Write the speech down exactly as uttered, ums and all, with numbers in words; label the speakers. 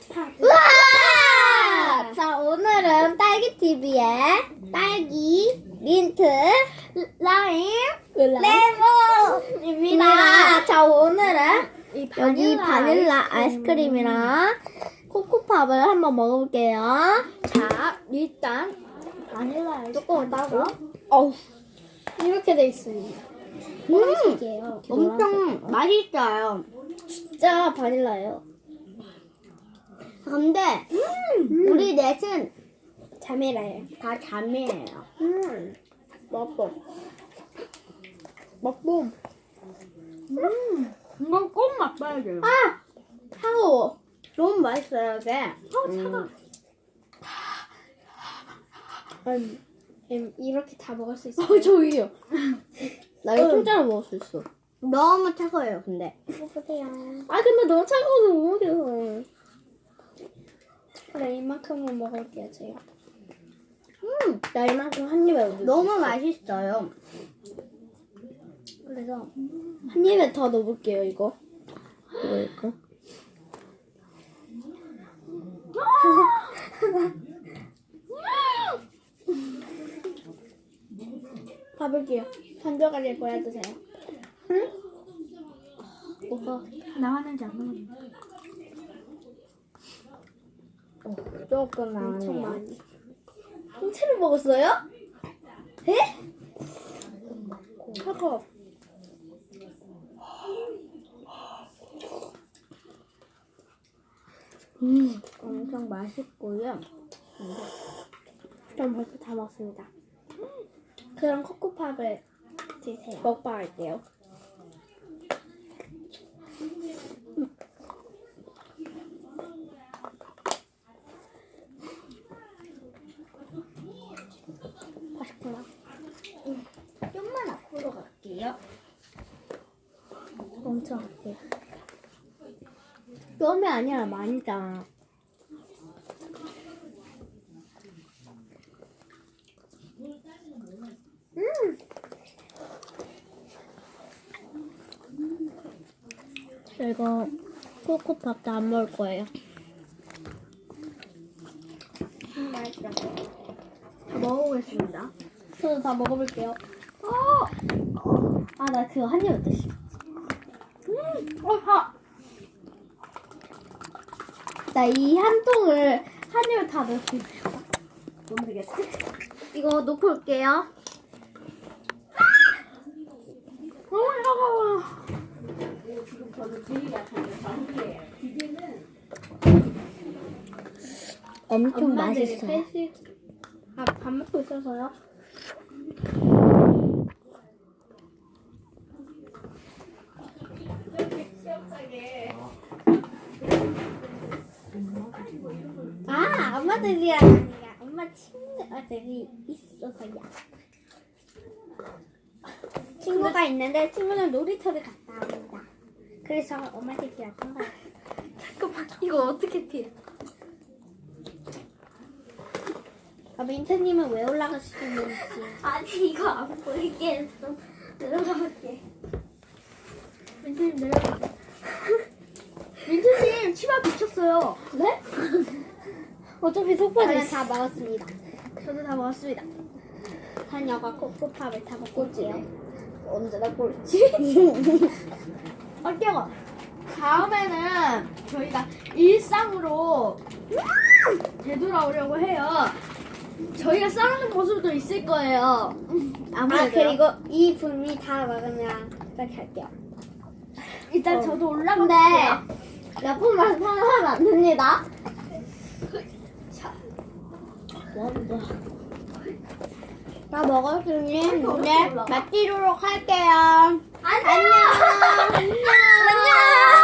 Speaker 1: 우와! 자, 오늘은 딸기티비의 딸기, 민트, 라임, 레몬입니다. 자, 오늘은
Speaker 2: 이
Speaker 1: 여기 바닐라 아이스크림이랑 코코팝을 한번 먹어볼게요.
Speaker 2: 자, 일단 바닐라
Speaker 1: 뚜껑을 따고.
Speaker 2: 어우,
Speaker 1: 이렇게 돼 있습니다.
Speaker 2: 음,
Speaker 1: 노란색이에요.
Speaker 2: 엄청 맛있어요.
Speaker 1: 진짜 바닐라예요.
Speaker 2: 근데 우리 넷은
Speaker 1: 자매라예요.
Speaker 2: 다 자매예요.
Speaker 1: 음,
Speaker 2: 먹고 먹고 음, 이건 꼭 맛봐야 돼요.
Speaker 1: 아! 차가워.
Speaker 2: 너무 맛있어요, 이게.
Speaker 1: 어, 차가. 아니, 음, 이렇게 다 먹을 수 있어요.
Speaker 2: 어, 저기요.
Speaker 1: 나 이거 통째로 먹을 수 있어.
Speaker 2: 너무 차가워요, 근데.
Speaker 1: 먹어보세요. 아, 근데 너무 차가워서 못 먹여. 그래, 이만큼만 먹을게요, 제가.
Speaker 2: 음,
Speaker 1: 나 이만큼 한 입에 넣을 수
Speaker 2: 너무
Speaker 1: 있어.
Speaker 2: 맛있어요.
Speaker 1: 그래서 한 입에 더 넣어볼게요, 이거. 이거, 이거. 봐볼게요. 반절까지 보여주세요. 응? 뭐가
Speaker 2: 나왔는지 안 나왔는지. 어, 조금
Speaker 1: 엄청
Speaker 2: 나왔네요.
Speaker 1: 많이. 통째로 먹었어요? 에? 차가워.
Speaker 2: 음, 엄청 맛있고요.
Speaker 1: 전 벌써 다 먹었습니다. 그럼 코코팝을 드세요. 먹방할게요. 맛있구나.
Speaker 2: 좀만 앞으로 갈게요.
Speaker 1: 엄청 맛있어요. 껌이 아니라 많이잖아. 음. 저 이거 코코팝도 안 먹을 거예요.
Speaker 2: 음, 맛있어. 다 먹어보겠습니다.
Speaker 1: 저도 다 먹어볼게요. 어! 아, 나 그거 한 입 어떠시?
Speaker 2: 음, 어, 다.
Speaker 1: 나 이 한 통을 한 입에 다 넣을 수 있어.
Speaker 2: 못 되겠어.
Speaker 1: 이거 놓고 올게요.
Speaker 2: 너무 차가워.
Speaker 1: 엄청
Speaker 2: 엄마들이
Speaker 1: 맛있어요. 아, 밥 먹고 있어서요? 아, 엄마들이랑 아니야. 엄마 친구들이 있어서야. 친구가 있는데 친구는 놀이터를 갔다 옵니다. 그래서 엄마들이랑 한 거야. 잠깐만, 이거 어떻게 피해? 아, 민트님은 왜 올라가시는지. 아니, 이거 안 보이게 해서 내려가볼게. 민트님 내려가. 민트님 치마 비쳤어요. 네? 어차피 속바지. 저는 다 먹었습니다. 저도 다 먹었습니다. 한여가 코코팝을 다 먹고 올게요. 언제나 꼴찌? 어때요?
Speaker 2: 다음에는 저희가 일상으로 되돌아오려고 해요. 저희가 싸우는 모습도 있을 거예요. 아무래도.
Speaker 1: 아, 그리고 이 분이 다 먹으면 이렇게 할게요.
Speaker 2: 일단
Speaker 1: 어.
Speaker 2: 저도
Speaker 1: 근데
Speaker 2: 올라갈게요.
Speaker 1: 몇 분만 사용하면 안 됩니다. 다 먹었으니 이제 마치도록 할게요. 안녕. 안녕. 안녕.